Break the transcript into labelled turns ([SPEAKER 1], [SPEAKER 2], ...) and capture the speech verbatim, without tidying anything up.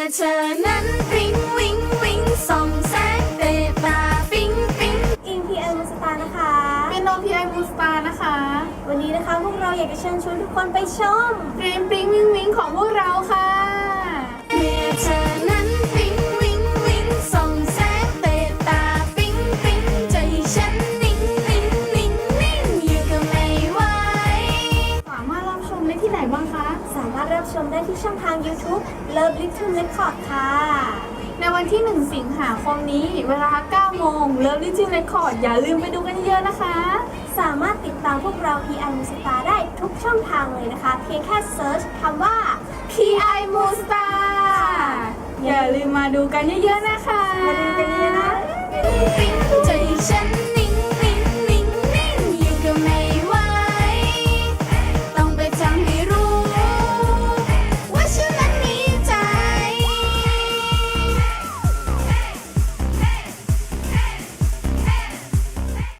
[SPEAKER 1] อเธอนั้นวิงวิงวิงส่องแสงเตะตาปิ๊งปิ๊งอิงพีไอมูสตาร์นะคะ
[SPEAKER 2] เป็นโนพีไอมูสตาร์นะคะ
[SPEAKER 1] วันนี้นะคะพวกเราอยากจะเชิญชวนทุกคนไปชม
[SPEAKER 2] เพลงปริ้งวิงวิงของพวกเราค่ะ
[SPEAKER 1] เมื่อเธอนั้นวิงวิงวิงส่องแสงเตะตาปิ๊งปิ๊งใจฉันนิ่งนิ่งนิ่งนิ่งอยู่ก็ไม่ไหว
[SPEAKER 2] สามารถรับชมได้ที่ไหนบ้างคะ
[SPEAKER 1] สามารถรับชมได้ที่ช่องทาง YouTube Love Little Record ค่ะ
[SPEAKER 2] ในวันที่หนึ่งสิงหาคมนี้เวลาเก้าโมง Love Little Record อย่าลืมไปดูกันเยอะนะคะ
[SPEAKER 1] สามารถติดตามพวกเรา พี ไอ Moonstar ได้ทุกช่องทางเลยนะคะเพียงแค่เซิร์ชคำว่า
[SPEAKER 2] พี ไอ Moonstar อย่าลืมมาดูกันเยอะๆนะคะ
[SPEAKER 1] มาดูกันเยอะนะ